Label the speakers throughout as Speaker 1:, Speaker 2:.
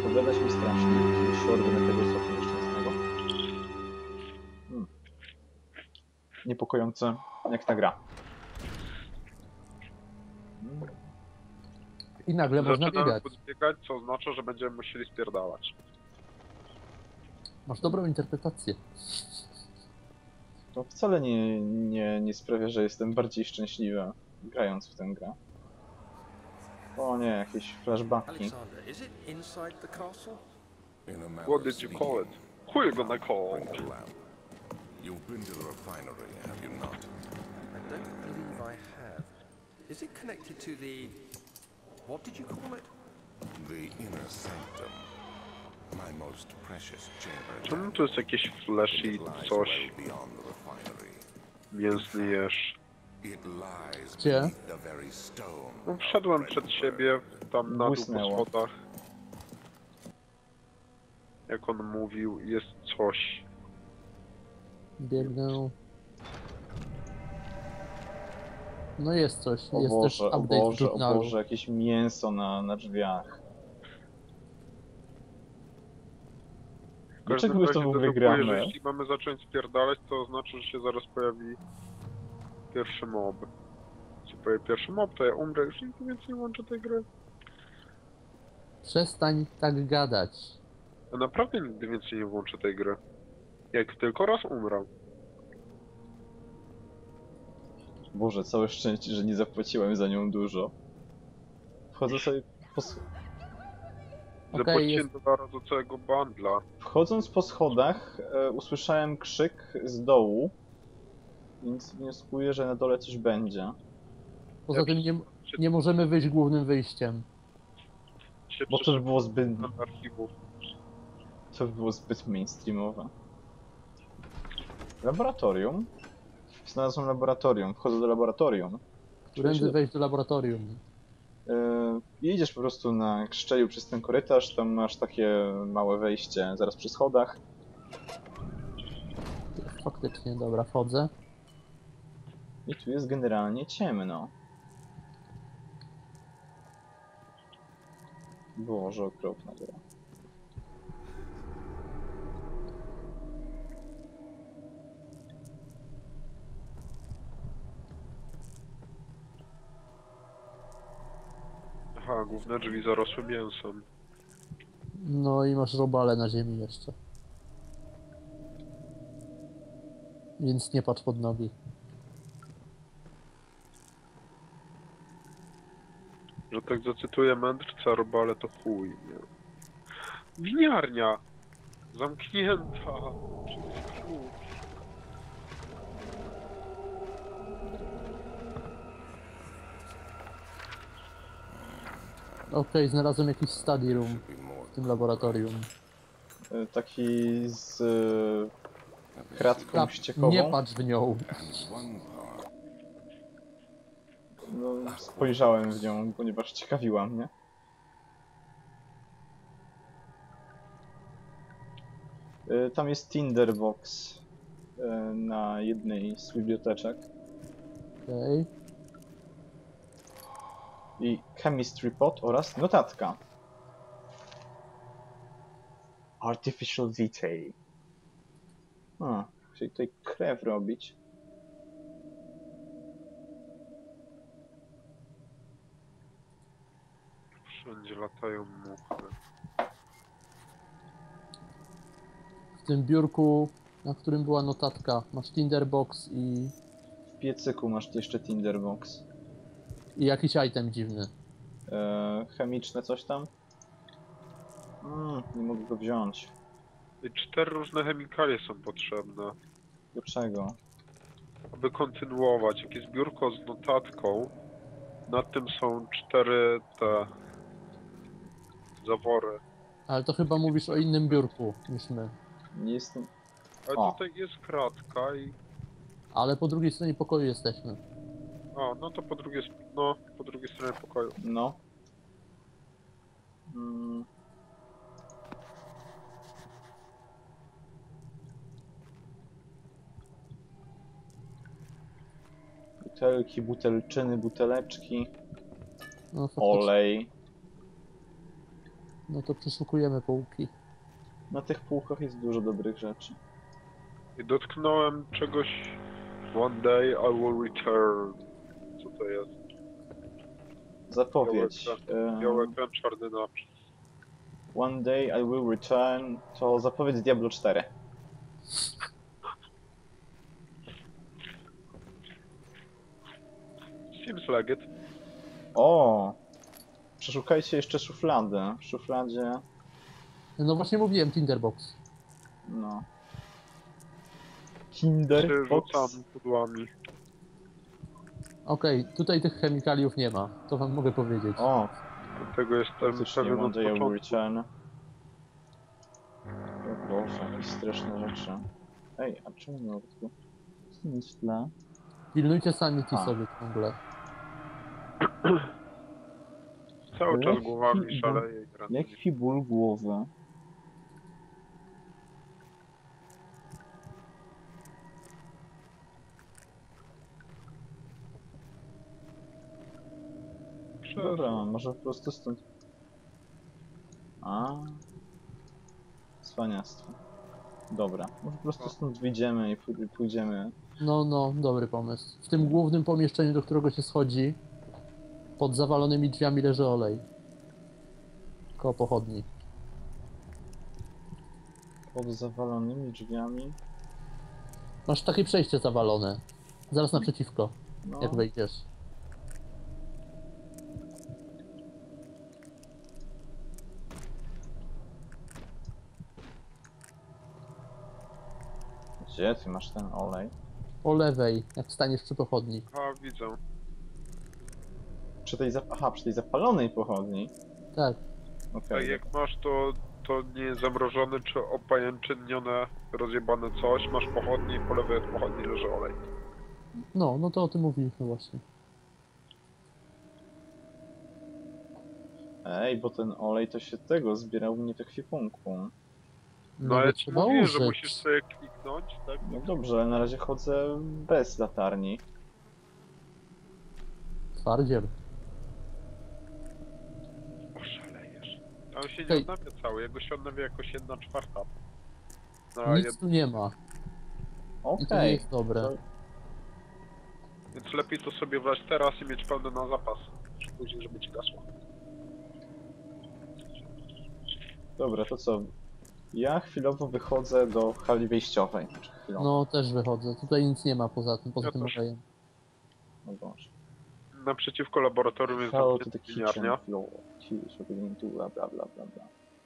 Speaker 1: Pogadać mi strasznie. Się odwrócę tego soku nieszczęsnego. Niepokojące, jak ta gra.
Speaker 2: I nagle można
Speaker 3: Zaczynamy
Speaker 2: biegać.
Speaker 3: podbiegać, co oznacza, że będziemy musieli spierdalać.
Speaker 2: Masz dobrą interpretację.
Speaker 1: To wcale nie sprawia, że jestem bardziej szczęśliwy grając w tę grę. O nie, jakieś flashbacki.
Speaker 4: Alexander, is it inside the castle?
Speaker 3: What did you call it? Who you gonna call?
Speaker 5: You've been to the refinery, have you not?
Speaker 4: I don't believe I have. Is it connected to the... What did you call it?
Speaker 5: The inner sanctum. My most precious chamber.
Speaker 3: Czemu to jest jakieś flashy coś?
Speaker 5: Beyond the refinery.
Speaker 3: Mięsny jesz.
Speaker 5: It lies
Speaker 2: Gdzie?
Speaker 5: beneath the very stone.
Speaker 3: No, wszedłem przed siebie, tam na dół
Speaker 1: Błysnęło.
Speaker 3: po schodach. Jak on mówił, jest coś.
Speaker 2: Biegnę. No jest coś.
Speaker 1: O
Speaker 2: Jest też
Speaker 1: Boże, o
Speaker 2: update w
Speaker 1: Boże, o
Speaker 2: żurnalu.
Speaker 1: Boże, jakieś mięso na drzwiach.
Speaker 3: W każdym
Speaker 1: Dlaczego my w to
Speaker 3: razie
Speaker 1: w ogóle
Speaker 3: dedukuję, że
Speaker 1: gramy?
Speaker 3: jeśli mamy zacząć spierdalać, to oznacza, że się zaraz pojawi pierwszy mob. Jeśli pojawi pierwszy mob, to ja umrę, już nigdy więcej nie włączę tej gry.
Speaker 2: Przestań tak gadać.
Speaker 3: Ja naprawdę nigdy więcej nie włączę tej gry. Jak tylko raz umrę.
Speaker 1: Boże, całe szczęście, że nie zapłaciłem za nią dużo. Wchodzę sobie
Speaker 3: Zapłaciłem $2 do całego bundla.
Speaker 1: Wchodząc po schodach usłyszałem krzyk z dołu, więc wnioskuję, że na dole coś będzie.
Speaker 2: Poza tym nie możemy wyjść głównym wyjściem.
Speaker 1: Bo to by było zbyt,
Speaker 3: archiwów.
Speaker 1: to by było zbyt mainstreamowe. Laboratorium? Znalazłem laboratorium, wchodzę do laboratorium.
Speaker 2: Którędy wejść do laboratorium.
Speaker 1: Jedziesz po prostu na szczeliu przez ten korytarz, tam masz takie małe wejście zaraz przy schodach.
Speaker 2: Faktycznie, dobra, wchodzę.
Speaker 1: I tu jest generalnie ciemno. Boże, okropna gra.
Speaker 3: Aha, główne drzwi zarosły mięsem.
Speaker 2: No i masz robale na ziemi jeszcze. Więc nie patrz pod nogi.
Speaker 3: Że tak zacytuję mędrca, robale to chuj, nie? Winiarnia! Zamknięta! Przez klucz.
Speaker 2: Okej, znalazłem jakiś study room w tym laboratorium.
Speaker 1: Taki z kratką ściekową.
Speaker 2: Nie patrz w nią.
Speaker 1: No, spojrzałem w nią, ponieważ ciekawiła mnie. Tam jest Tinderbox na jednej z biblioteczek.
Speaker 2: Okej.
Speaker 1: I chemistry pot oraz notatka. Artificial detail. Czyli tutaj krew robić.
Speaker 3: Wszędzie latają muchy.
Speaker 2: W tym biurku, na którym była notatka, masz Tinderbox
Speaker 1: W piecyku masz jeszcze Tinderbox.
Speaker 2: i jakiś item dziwny.
Speaker 1: Chemiczne coś tam? Nie mogę go wziąć.
Speaker 3: I 4 różne chemikalie są potrzebne,
Speaker 1: Do czego?
Speaker 3: aby kontynuować. Jak jest biurko z notatką, nad tym są 4 te zawory.
Speaker 2: Ale to chyba mówisz o innym biurku niż my.
Speaker 1: Nie jestem...
Speaker 3: Ale
Speaker 1: O.
Speaker 3: tutaj jest kratka i...
Speaker 2: Ale po drugiej stronie pokoju jesteśmy.
Speaker 3: A, no to po drugiej stronie pokoju.
Speaker 1: No. Butelki, butelczyny, buteleczki.
Speaker 2: No, faktycznie.
Speaker 1: Olej.
Speaker 2: No to przeszukujemy półki.
Speaker 1: Na tych półkach jest dużo dobrych rzeczy.
Speaker 3: I dotknąłem czegoś... One day I will return. Co to jest?
Speaker 1: Zapowiedź.
Speaker 3: Biały ekran, czarny napis.
Speaker 1: One day I will return to zapowiedź Diablo 4.
Speaker 3: Seems like it.
Speaker 1: O! Przeszukajcie jeszcze szufladę. W szufladzie...
Speaker 2: No właśnie mówiłem, Tinderbox.
Speaker 1: No. Kinder Box.
Speaker 3: Rzucam pudłami.
Speaker 2: Okej, tutaj tych chemikaliów nie ma, to wam mogę powiedzieć.
Speaker 1: O!
Speaker 3: Dlatego jestem
Speaker 1: Faktycznie,
Speaker 3: pewien
Speaker 1: one
Speaker 3: od
Speaker 1: day I will
Speaker 3: początku.
Speaker 1: return. O Boże, jakieś straszne rzeczy. Ej, a czemu nie ma tu? Nic w tle.
Speaker 2: Pilnujcie sanity
Speaker 1: A.
Speaker 2: sobie ciągle.
Speaker 3: Cały czas
Speaker 1: Lekki
Speaker 3: głowami
Speaker 1: ból.
Speaker 3: szaleje i gra.
Speaker 1: Lekki ból głowy. Dobra, może po prostu stąd... A. Cwaniactwo. Dobra, może po prostu stąd wyjdziemy i pójdziemy...
Speaker 2: No, dobry pomysł. W tym głównym pomieszczeniu, do którego się schodzi, pod zawalonymi drzwiami leży olej. Koło pochodni.
Speaker 1: pod zawalonymi drzwiami.
Speaker 2: Masz takie przejście zawalone. Zaraz naprzeciwko,
Speaker 1: No,
Speaker 2: jak wejdziesz.
Speaker 1: gdzie ty masz ten olej?
Speaker 2: Po lewej, jak staniesz przy pochodni.
Speaker 3: A, widzę.
Speaker 1: Przy tej, aha, przy tej zapalonej pochodni.
Speaker 2: Tak.
Speaker 1: Okej.
Speaker 3: Tak jak masz to nie jest zamrożone czy opajęcznione, rozjebane coś, masz pochodnie i po lewej od pochodni leży olej.
Speaker 2: No to o tym mówiliśmy właśnie.
Speaker 1: Ej, bo ten olej to się tego zbierał u mnie w ekwipunku.
Speaker 3: No
Speaker 2: bo
Speaker 3: ale ci
Speaker 2: trzeba
Speaker 3: mówiłem, że
Speaker 2: użyć.
Speaker 3: musisz sobie kliknąć, tak?
Speaker 1: No dobrze, ale na razie chodzę bez latarni.
Speaker 2: Twardziel.
Speaker 3: Oszalejesz. A on się nie
Speaker 2: Hej.
Speaker 3: odnawia cały, jego się odnawia jakoś 1/4. No,
Speaker 2: Nic tu nie ma. I to nie
Speaker 1: Okej.
Speaker 2: jest dobre.
Speaker 1: To-
Speaker 3: Więc lepiej to sobie wlać teraz i mieć pełne na zapas. Niż później, żeby ci gasło.
Speaker 1: Dobra, to co? Ja chwilowo wychodzę do hali wejściowej. Znaczy chwilowo.
Speaker 2: No też wychodzę. Tutaj nic nie ma poza tym
Speaker 3: Ja
Speaker 2: olejem.
Speaker 3: też.
Speaker 1: No Boże.
Speaker 3: Naprzeciwko laboratorium jest
Speaker 1: Hello to the
Speaker 3: zamknięta
Speaker 1: kitchen
Speaker 3: winiarnia.
Speaker 1: floor. Choose what we need to bla bla bla bla bla.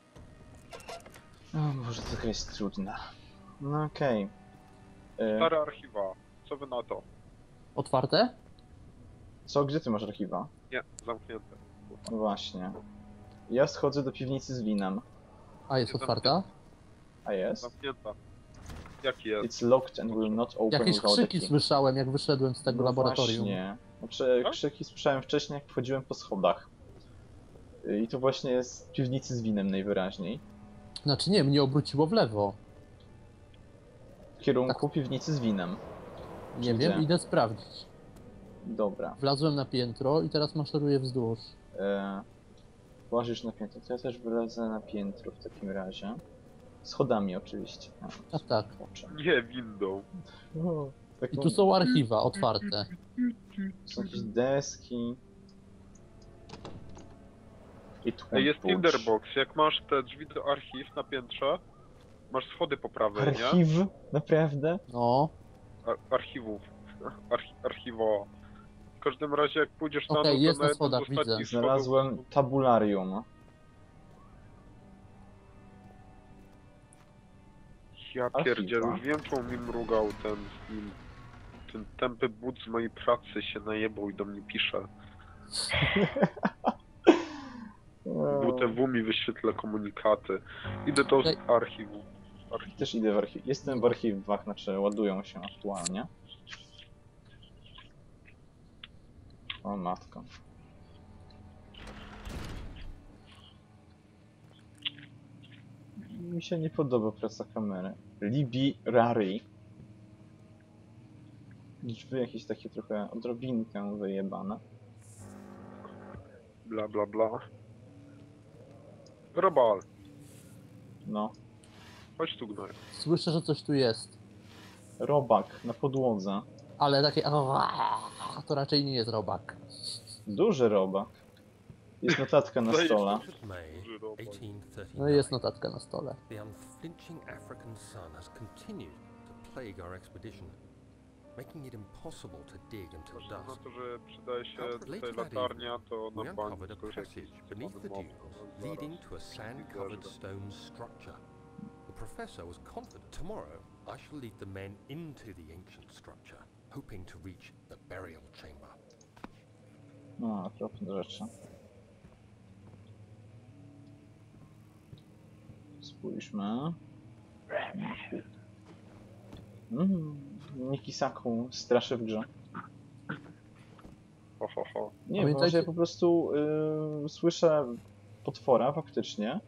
Speaker 1: O Boże, to jest trudna. No okej.
Speaker 3: Stare archiwa. Co wy na to?
Speaker 2: Otwarte?
Speaker 1: Co, gdzie ty masz archiwa?
Speaker 3: Nie, zamknięte.
Speaker 1: No właśnie. Ja schodzę do piwnicy z winem.
Speaker 2: A jest
Speaker 3: Jest
Speaker 2: otwarta?
Speaker 1: A jest?
Speaker 3: Zamknięta. Jaki jest?
Speaker 1: It's locked and will not open
Speaker 2: Jakieś
Speaker 1: without a
Speaker 2: krzyki
Speaker 1: key.
Speaker 2: słyszałem, jak wyszedłem z tego
Speaker 1: No
Speaker 2: laboratorium.
Speaker 1: Właśnie. Znaczy,
Speaker 3: Tak?
Speaker 1: krzyki słyszałem wcześniej, jak wchodziłem po schodach. I to właśnie jest z piwnicy z winem najwyraźniej.
Speaker 2: Znaczy nie, mnie obróciło w lewo.
Speaker 1: W kierunku piwnicy z winem.
Speaker 2: Nie
Speaker 1: Gdzie?
Speaker 2: wiem, idę sprawdzić.
Speaker 1: Dobra.
Speaker 2: Wlazłem na piętro i teraz maszeruję wzdłuż.
Speaker 1: Łazisz na piętro, to ja też wylezę na piętro w takim razie. Schodami oczywiście.
Speaker 2: Tak.
Speaker 1: Zobaczę.
Speaker 3: Nie, windą.
Speaker 1: O, tak
Speaker 2: I
Speaker 1: mam-
Speaker 2: tu są archiwa otwarte.
Speaker 1: są jakieś deski. I tu
Speaker 3: Ej, jest Tinderbox. Jak masz te drzwi do archiw na piętrze, masz schody po prawej, nie?
Speaker 1: Archiw? Naprawdę?
Speaker 2: No,
Speaker 3: Archiwów. Archiwo. W każdym razie jak pójdziesz na
Speaker 2: Okej,
Speaker 3: dół,
Speaker 2: jest
Speaker 3: to
Speaker 2: na
Speaker 3: na jednym
Speaker 2: schodach,
Speaker 3: z ostatnich
Speaker 2: widzę.
Speaker 3: schodów-
Speaker 1: Znalazłem tabularium.
Speaker 3: Ja
Speaker 1: Archiwa.
Speaker 3: pierdzielę, już wiem czemu mi mrugał ten film. Ten tępy but z mojej pracy się najebał i do mnie pisze. WTW mi wyświetla komunikaty. Idę do
Speaker 2: Ej.
Speaker 3: archiwu.
Speaker 1: Też idę w archiw. Jestem w archiwach, znaczy ładują się aktualnie. O matko. Mi się nie podoba praca kamery. Libi Rari. Drzwi jakieś takie trochę odrobinkę wyjebane.
Speaker 3: Bla bla bla. Robal,
Speaker 1: No.
Speaker 3: chodź tu gnoju.
Speaker 2: Słyszę, że coś tu jest.
Speaker 1: Robak na podłodze.
Speaker 2: Ale takie... To raczej nie jest robak.
Speaker 1: Duży robak. Jest notatka na stole.
Speaker 4: May
Speaker 3: Duży robak.
Speaker 4: 1839.
Speaker 2: No i jest notatka na stole.
Speaker 4: The unflinching African sun has continued to plague our expedition, making it impossible to dig until
Speaker 3: Patrząc na
Speaker 4: dusk.
Speaker 3: to, że przydaje się
Speaker 4: Later
Speaker 3: tutaj
Speaker 4: that
Speaker 3: latarnia, to
Speaker 4: We
Speaker 3: na bank
Speaker 4: uncovered a
Speaker 3: tylko jakiś
Speaker 4: passage beneath the
Speaker 3: mob,
Speaker 4: dunes,
Speaker 3: no,
Speaker 4: leading
Speaker 3: zaraz.
Speaker 4: to a sand-covered stone structure. The professor was confident tomorrow I shall lead the men into the ancient structure, hoping to reach the burial chamber.
Speaker 1: No, okropne rzeczy. Spójrzmy. Nikisaku straszy w grze.
Speaker 3: Ho, ho, ho.
Speaker 1: Nie,
Speaker 2: Pamiętajcie-
Speaker 1: może ja po prostu słyszę potwora faktycznie.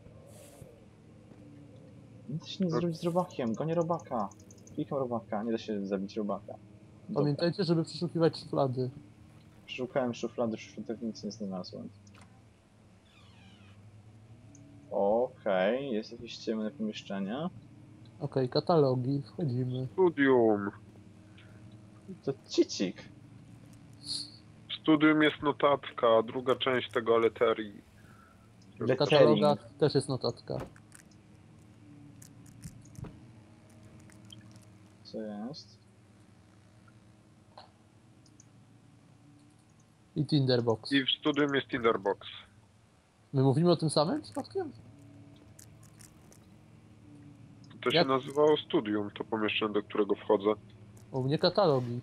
Speaker 1: Nie da się nic zrobić z robakiem, gonię robaka. Klikam robaka, nie da się zabić robaka. Dobra.
Speaker 2: Pamiętajcie, żeby przeszukiwać szuflady.
Speaker 1: Przeszukałem szuflady, w szufladach nic nie znalazłem. Okej, jest jakieś ciemne pomieszczenie.
Speaker 2: Okej, katalogi, wchodzimy.
Speaker 3: Studium.
Speaker 1: To cicik.
Speaker 3: W studium jest notatka, druga część tego aleterii.
Speaker 2: W
Speaker 1: Lettering.
Speaker 2: katalogach też jest notatka.
Speaker 1: Co jest?
Speaker 2: I Tinderbox.
Speaker 3: I w studium jest Tinderbox.
Speaker 2: My mówimy o tym samym przypadkiem?
Speaker 3: To się
Speaker 2: Jak-
Speaker 3: nazywało studium, to pomieszczenie, do którego wchodzę.
Speaker 2: U mnie katalogi.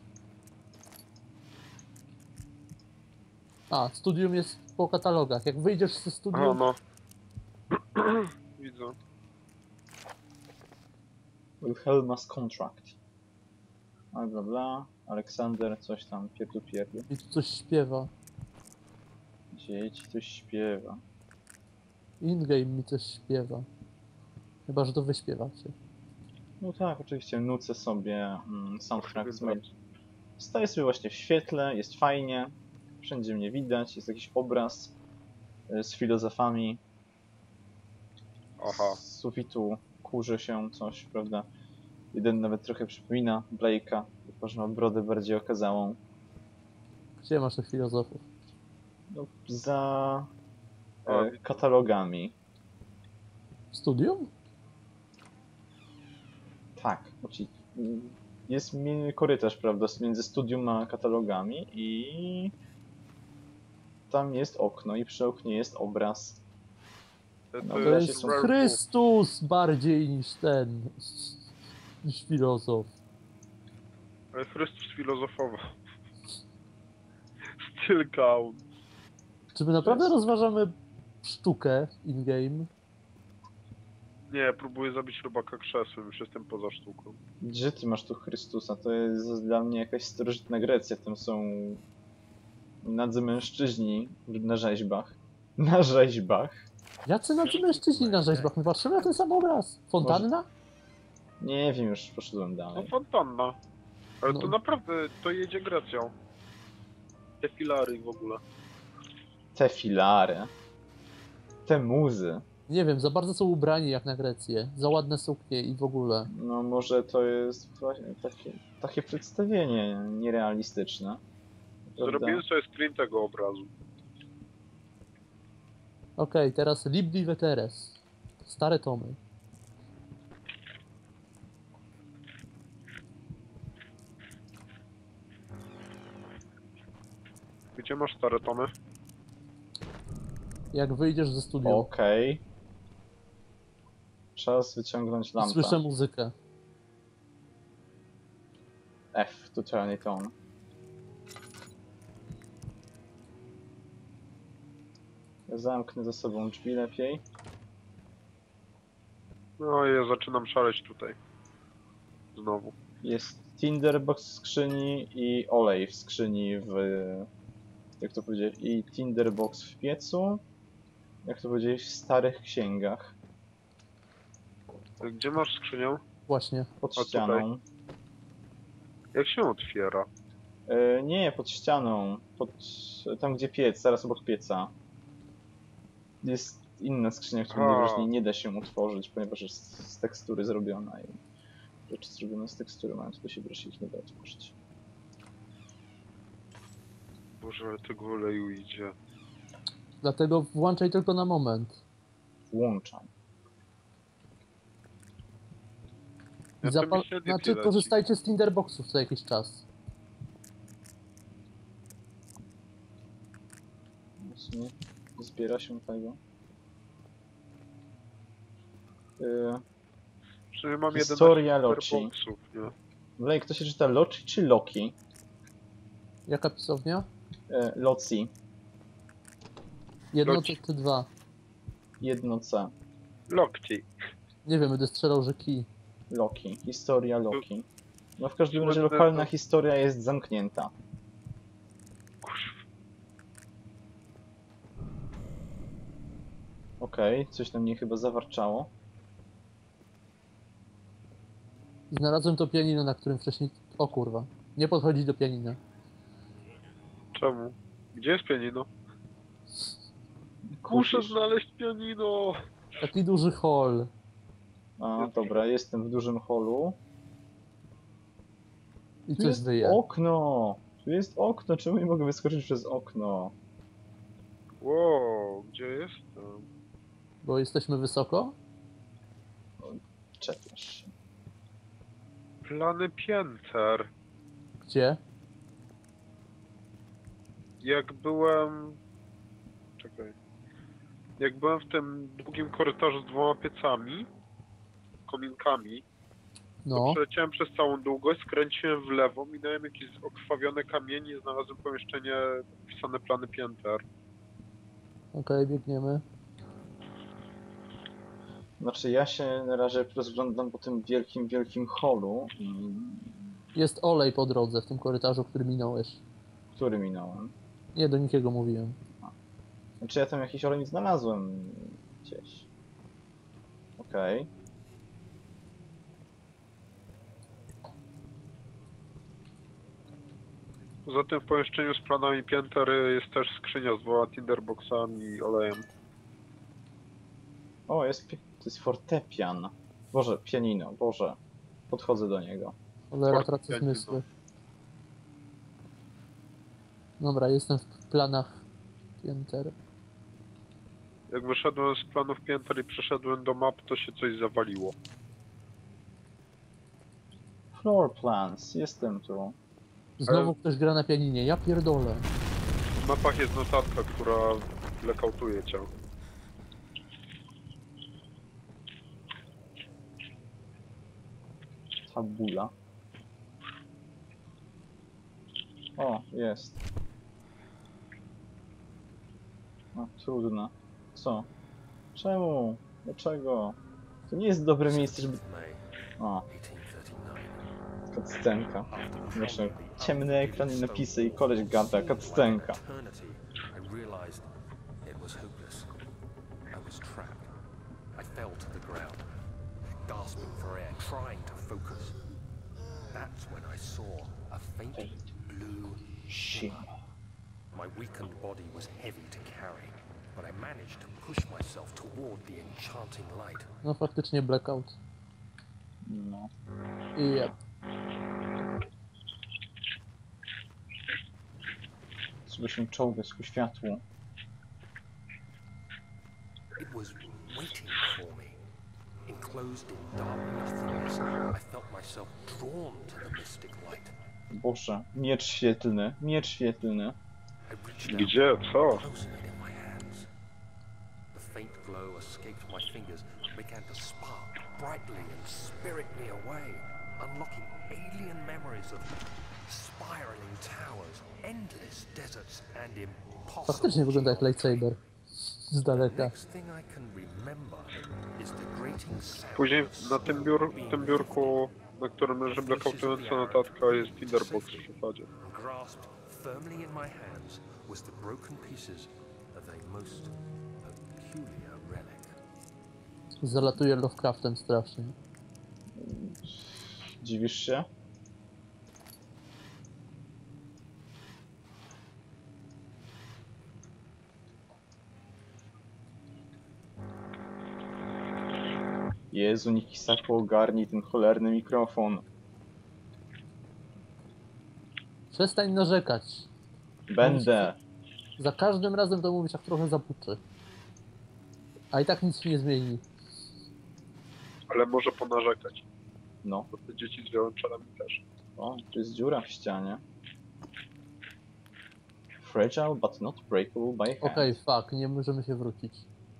Speaker 2: A, studium jest po katalogach. Jak wyjdziesz ze
Speaker 3: Aha,
Speaker 2: studium,
Speaker 3: no. Widzę.
Speaker 1: Wilhelma's Contract. A bla bla. Aleksander, coś tam, pierdu.
Speaker 2: i tu coś śpiewa.
Speaker 1: Dzieci, coś śpiewa.
Speaker 2: In-game mi coś śpiewa. Chyba, że to wy śpiewacie.
Speaker 1: No tak, oczywiście nucę sobie soundtrack z mail. Staję sobie właśnie w świetle, jest fajnie. Wszędzie mnie widać, jest jakiś obraz z filozofami.
Speaker 3: Aha.
Speaker 1: Z sufitu kurzy się coś, prawda? Jeden nawet trochę przypomina Blake'a, tylko że ma brodę bardziej okazałą.
Speaker 2: Gdzie masz tych filozofów?
Speaker 1: No, za
Speaker 3: A,
Speaker 1: katalogami.
Speaker 2: W studium?
Speaker 1: Tak, jest korytarz, prawda, między studium a katalogami i tam jest okno i przy oknie jest obraz.
Speaker 3: To
Speaker 1: No,
Speaker 2: To
Speaker 1: Obrazy
Speaker 2: jest
Speaker 1: są-
Speaker 2: Chrystus bardziej niż ten. Niż filozof.
Speaker 3: Ale Chrystus filozofował. Still count.
Speaker 2: Czy my naprawdę
Speaker 1: jest-
Speaker 2: rozważamy sztukę in-game?
Speaker 3: Nie, próbuję zabić robaka krzesłem, już jestem poza sztuką.
Speaker 1: Gdzie ty masz tu Chrystusa? To jest dla mnie jakaś starożytna Grecja, tam są nadzy mężczyźni na rzeźbach. Na rzeźbach?
Speaker 2: Jacy nadzy mężczyźni na rzeźbach? My patrzymy na ten sam obraz. Fontanna?
Speaker 1: Nie wiem, już poszedłem
Speaker 3: No
Speaker 1: dalej.
Speaker 3: fontanna. Ale
Speaker 2: No.
Speaker 3: to naprawdę, to jedzie Grecją. Te filary w ogóle.
Speaker 1: Te filary. Te muzy.
Speaker 2: Nie wiem, za bardzo są ubrani jak na Grecję. Za ładne suknie i w ogóle.
Speaker 1: No może to jest właśnie takie przedstawienie nierealistyczne. Prawda?
Speaker 3: Zrobiłem sobie screen tego obrazu.
Speaker 2: Okej, teraz Libdi Veteres. Stare tomy.
Speaker 3: Gdzie masz stare tomy?
Speaker 2: Jak wyjdziesz ze studium,
Speaker 1: Okej. Czas wyciągnąć lampę.
Speaker 2: słyszę muzykę.
Speaker 1: F to turn it on. Zamknę za sobą drzwi lepiej.
Speaker 3: No i ja zaczynam szaleć tutaj. Znowu.
Speaker 1: Jest Tinderbox w skrzyni i olej w skrzyni w... Jak to powiedzieć? I Tinderbox w piecu. Jak to powiedzieć? W starych księgach.
Speaker 3: Gdzie masz skrzynię?
Speaker 2: Właśnie.
Speaker 1: Pod
Speaker 3: tutaj.
Speaker 1: ścianą.
Speaker 3: Jak się otwiera?
Speaker 1: Nie, pod ścianą. Tam gdzie piec, zaraz obok pieca. Jest inna skrzynia, której
Speaker 3: A.
Speaker 1: najwyraźniej nie da się utworzyć, ponieważ jest z tekstury zrobiona i rzeczy zrobione z tekstury mają to do siebie, że się ich nie da otworzyć.
Speaker 3: Boże, ale tego oleju idzie.
Speaker 2: Dlatego włączaj tylko na moment.
Speaker 1: Włączam.
Speaker 3: Ja to mi się
Speaker 2: Znaczy, korzystajcie z tinderboxów co jakiś czas.
Speaker 1: Nie zbiera się tego.
Speaker 3: Przynajmniej mam
Speaker 1: Historia
Speaker 3: 11
Speaker 1: Loci.
Speaker 3: tinderboxów, nie?
Speaker 1: Wlej, kto się czyta Loci czy Loki?
Speaker 2: Jaka pisownia?
Speaker 1: Loci.
Speaker 2: Jedno
Speaker 3: Loci.
Speaker 2: czy dwa?
Speaker 1: Jedno C.
Speaker 3: Lokci.
Speaker 2: Nie wiem, będę strzelał, że kij.
Speaker 1: Loki. Historia Loki. No w każdym razie
Speaker 3: Słynne
Speaker 1: lokalna
Speaker 3: to-
Speaker 1: historia jest zamknięta. Okej, coś na mnie chyba zawarczało.
Speaker 2: Znalazłem to pianino, na którym wcześniej... O kurwa. Nie podchodzić do pianina.
Speaker 3: Czemu? Gdzie jest pianino? Muszę
Speaker 1: Kusisz.
Speaker 3: znaleźć pianino!
Speaker 2: Taki duży hall.
Speaker 1: A, dobra, jestem w dużym holu.
Speaker 2: I
Speaker 1: Tu
Speaker 2: coś
Speaker 1: jest
Speaker 2: wyje.
Speaker 1: okno! Tu jest okno, czemu nie mogę wyskoczyć przez okno?
Speaker 3: Wow, gdzie jestem?
Speaker 2: Bo jesteśmy wysoko?
Speaker 1: Czepiasz się.
Speaker 3: Plany pięter.
Speaker 2: Gdzie?
Speaker 3: Jak byłem... Czekaj. Jak byłem w tym długim korytarzu z 2 piecami, kominkami,
Speaker 2: No.
Speaker 3: przeleciałem przez całą długość, skręciłem w lewo, minąłem jakieś okrwawione kamienie i znalazłem pomieszczenie wpisane plany pięter.
Speaker 2: Okej, biegniemy.
Speaker 1: Znaczy ja się na razie rozglądam po tym wielkim holu,
Speaker 2: Jest olej po drodze w tym korytarzu, który minąłeś.
Speaker 1: który minąłem.
Speaker 2: Nie, do nikiego mówiłem.
Speaker 1: Znaczy ja tam jakiś olej znalazłem gdzieś. Okej.
Speaker 3: Poza tym w pomieszczeniu z planami pięter jest też skrzynia z 2 tinderboxami i olejem.
Speaker 1: O, to jest fortepian. Boże, pianino, Boże. Podchodzę do niego.
Speaker 2: Cholera, tracę
Speaker 3: Pianino.
Speaker 2: zmysły. Dobra, jestem w planach pięter.
Speaker 3: Jak wyszedłem z planów pięter i przeszedłem do map, to się coś zawaliło.
Speaker 1: Floor plans, jestem tu.
Speaker 2: Znowu ktoś gra na pianinie, ja pierdolę.
Speaker 3: W mapach jest notatka, która blackoutuje cię.
Speaker 1: Tabula. O, jest. O, trudno. Co? Czemu? Dlaczego? To nie jest dobre miejsce, żeby...
Speaker 4: May
Speaker 1: O,
Speaker 4: 1839.
Speaker 1: cutscenka.
Speaker 4: After
Speaker 1: Znaczy,
Speaker 4: pounding the
Speaker 1: ciemny ekran i
Speaker 4: stone
Speaker 1: napisy i
Speaker 4: wall
Speaker 1: koleś gada,
Speaker 4: for
Speaker 1: cutscenka.
Speaker 4: eternity, I realized it was hopeless. I was trapped. I fell to the ground, gasping for air, trying to focus. That's when I saw a faint blue shimmer. My weakened body was heavy to carry, but I managed to push myself toward the enchanting light.
Speaker 2: No faktycznie blackout.
Speaker 1: No.
Speaker 2: I jeb.
Speaker 1: Trzeba się czołgać ku światłu.
Speaker 4: It was waiting for me. Enclosed in dark nothingness, I felt myself drawn to the mystic light.
Speaker 1: Boże, miecz świetlny, miecz świetlny.
Speaker 3: Gdzie? Co?
Speaker 4: Closing it in my hands. The faint glow escaped my fingers and began to spark brightly and spirit me away, unlocking alien memories of spiraling towers, endless deserts, and impossible.
Speaker 2: Faktycznie wygląda jak lightsaber. Z
Speaker 4: The
Speaker 2: daleka.
Speaker 4: next thing I can remember is the grating sound
Speaker 3: Później
Speaker 4: of
Speaker 3: na tym, tym biurku, na którym leży blackoutująca notatka, jest tinderbox w zasadzie.
Speaker 4: grasped firmly in my hands was the broken pieces of a most peculiar relic.
Speaker 2: Zalatuje Lovecraftem strasznie.
Speaker 1: Dziwisz się? Jezu, Nikisaku, ogarnij ten cholerny mikrofon.
Speaker 2: Przestań narzekać.
Speaker 1: Będę.
Speaker 2: Za każdym razem to mówisz, jak trochę zapuczy. A i tak nic się nie zmieni.
Speaker 3: Ale może ponarzekać,
Speaker 1: No.
Speaker 3: bo te dzieci z wiolonczelami też.
Speaker 1: O, tu jest dziura w ścianie. Fragile but not breakable by hand.
Speaker 2: Okej, fuck, nie możemy się wrócić.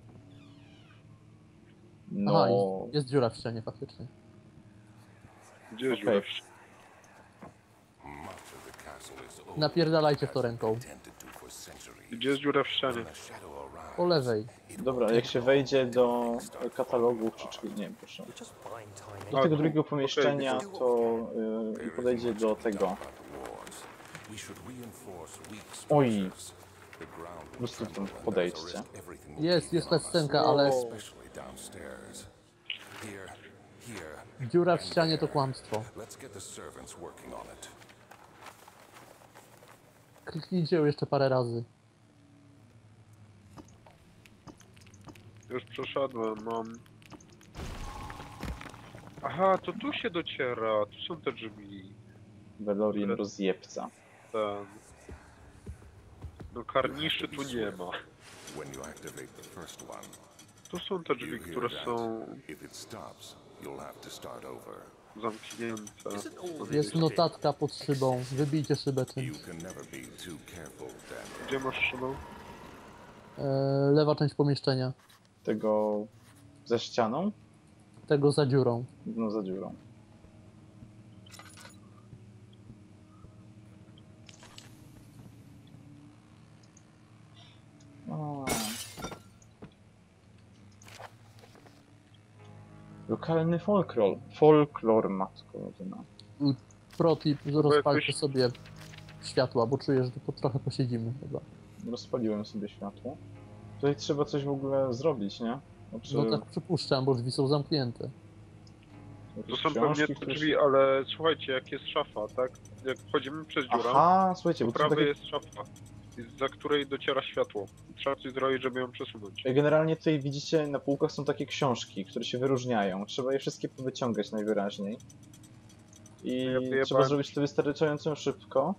Speaker 1: No.
Speaker 2: Aha, jest dziura w ścianie faktycznie.
Speaker 3: Gdzie jest
Speaker 1: Okej.
Speaker 3: dziura w ścianie?
Speaker 5: Much of the castle is old,
Speaker 2: Napierdalajcie w to ręką.
Speaker 5: tended to for centuries.
Speaker 3: Gdzie jest dziura w ścianie?
Speaker 5: When a shadow arrives,
Speaker 2: Po lewej.
Speaker 1: Dobra, jak się wejdzie do katalogu, czy nie wiem, proszę.
Speaker 4: Just find tiny.
Speaker 1: Do tego
Speaker 3: tu,
Speaker 1: drugiego
Speaker 3: okej,
Speaker 1: pomieszczenia
Speaker 3: widzę.
Speaker 1: to i podejdzie do tego.
Speaker 5: about the wards. We should reinforce weak
Speaker 1: Oj.
Speaker 5: structures. The ground
Speaker 1: Po prostu
Speaker 5: will
Speaker 1: tam
Speaker 5: tremble when
Speaker 1: podejdźcie.
Speaker 5: there's a risk everything will
Speaker 2: Jest
Speaker 5: begin on us,
Speaker 2: cutscenka, ale
Speaker 5: especially downstairs. Here.
Speaker 2: dziura w ścianie to kłamstwo.
Speaker 5: Let's get the servants working on it.
Speaker 2: Kliknijcie ją jeszcze parę razy.
Speaker 3: Już przeszedłem, mam... Aha, to tu się dociera, tu są te drzwi.
Speaker 1: Velorian rozjebca.
Speaker 3: Ten... No karniszy tu nie ma.
Speaker 5: When you activate the first one,
Speaker 3: Tu są te
Speaker 5: you
Speaker 3: drzwi,
Speaker 5: hear
Speaker 3: które
Speaker 5: that?
Speaker 3: są
Speaker 5: If it stops, you'll have to start over.
Speaker 3: zamknięte.
Speaker 4: Isn't all
Speaker 2: Jest
Speaker 4: this
Speaker 2: notatka pod szybą. Wybijcie szybę
Speaker 5: You
Speaker 2: czymś.
Speaker 5: can never be too careful, Daniel.
Speaker 3: Gdzie masz szybę?
Speaker 2: Lewa część pomieszczenia.
Speaker 1: Tego ze ścianą?
Speaker 2: Tego za dziurą.
Speaker 1: No za dziurą. O. Lokalny folklor. Folklor, matko jedyna.
Speaker 2: Protip, rozpalcie
Speaker 3: jakoś-
Speaker 2: sobie światła, bo czuję, że tu trochę posiedzimy chyba.
Speaker 1: Rozpaliłem sobie światło. Tutaj trzeba coś w ogóle zrobić, nie? Znaczy,
Speaker 2: No tak przypuszczam, bo drzwi są zamknięte.
Speaker 3: To
Speaker 1: jakieś
Speaker 3: są pewnie
Speaker 1: książki,
Speaker 3: te
Speaker 1: które
Speaker 3: drzwi,
Speaker 1: się-
Speaker 3: ale słuchajcie, jak jest szafa, tak? Jak wchodzimy przez dziurę,
Speaker 1: Aha, słuchajcie,
Speaker 3: po
Speaker 1: bo to są
Speaker 3: prawej
Speaker 1: takie...
Speaker 3: jest szafa, za której dociera światło. Trzeba coś zrobić, żeby ją przesunąć.
Speaker 1: Generalnie tutaj widzicie, na półkach są takie książki, które się wyróżniają. Trzeba je wszystkie powyciągać najwyraźniej. I
Speaker 3: Ja wyjebałem.
Speaker 1: trzeba zrobić to wystarczająco szybko,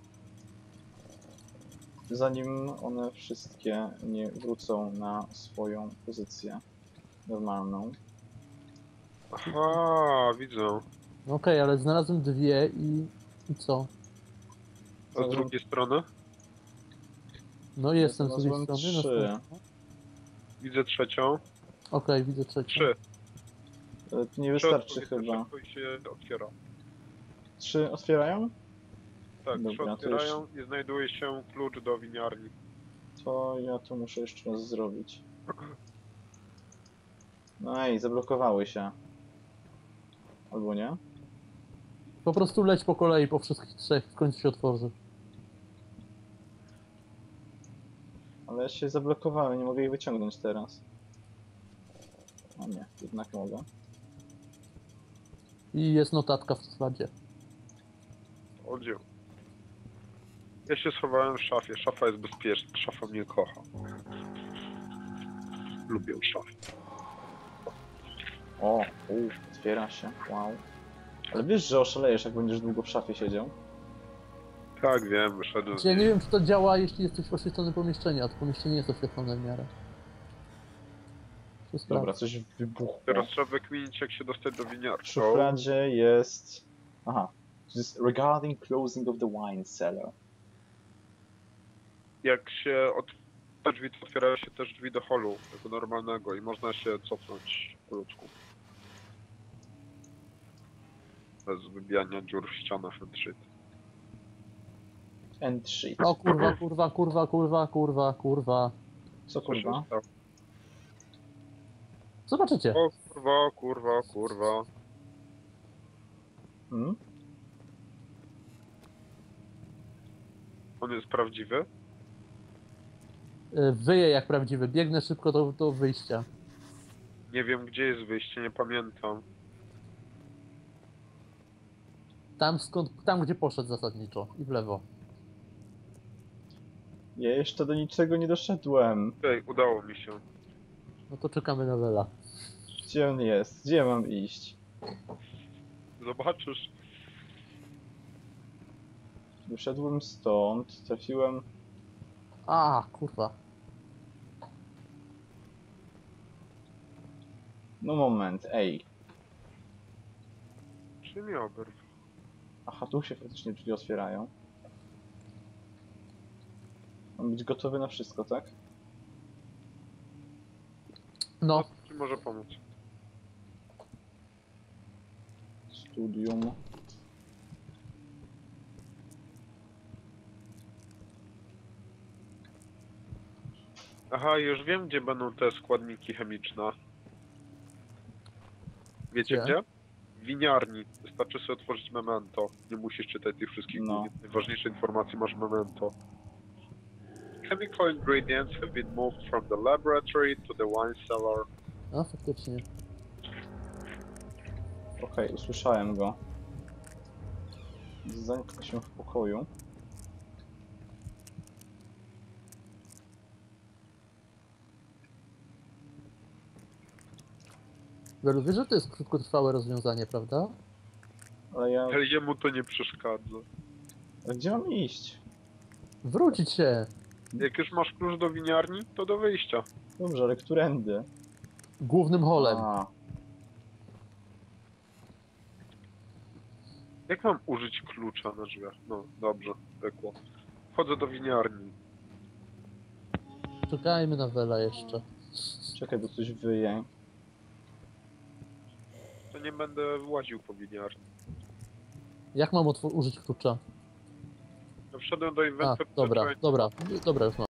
Speaker 1: zanim one wszystkie nie wrócą na swoją pozycję normalną.
Speaker 3: Aha, widzę.
Speaker 2: No okej, ale znalazłem dwie i co?
Speaker 3: A z drugiej strony?
Speaker 2: No jestem z drugiej
Speaker 1: znalazłem
Speaker 2: strony.
Speaker 1: trzy.
Speaker 2: No,
Speaker 3: Widzę trzecią.
Speaker 2: okej, widzę trzecią.
Speaker 3: Trzy.
Speaker 1: To nie
Speaker 3: Trzy
Speaker 1: wystarczy
Speaker 3: odpowiednio
Speaker 1: chyba.
Speaker 3: szybko i się otwiera.
Speaker 1: 3 otwierają?
Speaker 3: Tak,
Speaker 1: Dobra,
Speaker 3: trzy
Speaker 1: to
Speaker 3: otwierają i znajduje się klucz do winiarni.
Speaker 1: To ja to muszę jeszcze raz zrobić. No i zablokowały się. Albo nie?
Speaker 2: Po prostu leć po kolei po wszystkich trzech, w końcu się otworzy.
Speaker 1: Ale się zablokowałem, nie mogę ich wyciągnąć teraz. A nie, jednak mogę.
Speaker 2: I jest notatka w szufladzie.
Speaker 3: Oddział. Ja się schowałem w szafie. Szafa jest bezpieczna. Szafa mnie kocha. Lubię szafę.
Speaker 1: O, otwiera się, wow. Ale wiesz, że oszalejesz, jak będziesz długo w szafie siedział?
Speaker 3: Tak, wiem, wyszedłem.
Speaker 2: Znaczy, ja nie wiem, czy to działa, jeśli jesteś w oświetlonym pomieszczeniu, a to pomieszczenie jest oświetlone w miarę. To
Speaker 1: Dobra,
Speaker 2: sprawdź.
Speaker 1: coś wybuchło.
Speaker 3: Teraz trzeba wykminić, jak się dostać do
Speaker 1: W
Speaker 3: winiarki.
Speaker 1: szufladzie jest... Aha. To jest regarding closing of the wine cellar.
Speaker 3: Jak się te drzwi, to otwierają się też drzwi do holu, tego normalnego i można się cofnąć po ludzku. Bez wybijania dziur w ścianach and shit.
Speaker 1: And shit.
Speaker 2: O kurwa, kurwa, kurwa, kurwa, kurwa, kurwa.
Speaker 1: Co
Speaker 3: Co się
Speaker 1: kurwa?
Speaker 3: stało?
Speaker 2: Zobaczycie.
Speaker 3: O kurwa, kurwa, kurwa.
Speaker 1: Hmm?
Speaker 3: On jest prawdziwy?
Speaker 2: Wyję jak prawdziwy, biegnę szybko do wyjścia.
Speaker 3: Nie wiem, gdzie jest wyjście, nie pamiętam.
Speaker 2: Tam gdzie poszedł zasadniczo i w lewo.
Speaker 1: Ja jeszcze do niczego nie doszedłem.
Speaker 3: Ej, udało mi się.
Speaker 2: No to czekamy na Wela.
Speaker 1: Gdzie on jest? Gdzie mam iść?
Speaker 3: Zobaczysz.
Speaker 1: Wyszedłem stąd, trafiłem...
Speaker 2: A, kurwa.
Speaker 1: No moment, ej.
Speaker 3: Czy mi oberw?
Speaker 1: Aha, tu się faktycznie drzwi otwierają. Mam być gotowy na wszystko, tak?
Speaker 2: No,
Speaker 3: Ci może pomóc.
Speaker 1: Studium.
Speaker 3: Aha, już wiem, gdzie będą te składniki chemiczne. Wiecie
Speaker 2: Gdzie?
Speaker 3: gdzie? W winiarni. Wystarczy sobie otworzyć memento. Nie musisz czytać tych wszystkich
Speaker 1: No.
Speaker 3: najważniejsze informacje, masz memento. Chemical ingredients have been moved from the laboratory to the wine cellar.
Speaker 2: a faktycznie.
Speaker 1: Okej, usłyszałem go. Zamknę się w pokoju.
Speaker 2: Welu, wiesz, że to jest krótkotrwałe rozwiązanie, prawda?
Speaker 1: Ale ja...
Speaker 3: Ale jemu to nie przeszkadza.
Speaker 1: Ale gdzie mam iść?
Speaker 2: Wrócić się!
Speaker 3: Jak już masz klucz do winiarni, to do wyjścia.
Speaker 1: Dobrze, ale którędy?
Speaker 2: Głównym holem.
Speaker 1: A,
Speaker 3: Jak mam użyć klucza na drzwiach? No, dobrze, pekło. Wchodzę do winiarni.
Speaker 2: Czekajmy na Wela jeszcze.
Speaker 1: czekaj, bo coś wyje.
Speaker 3: To nie będę właził po winiarni.
Speaker 2: Jak mam użyć klucza?
Speaker 3: Ja wszedłem do
Speaker 2: A,
Speaker 3: inwentory.
Speaker 2: dobra, już mam.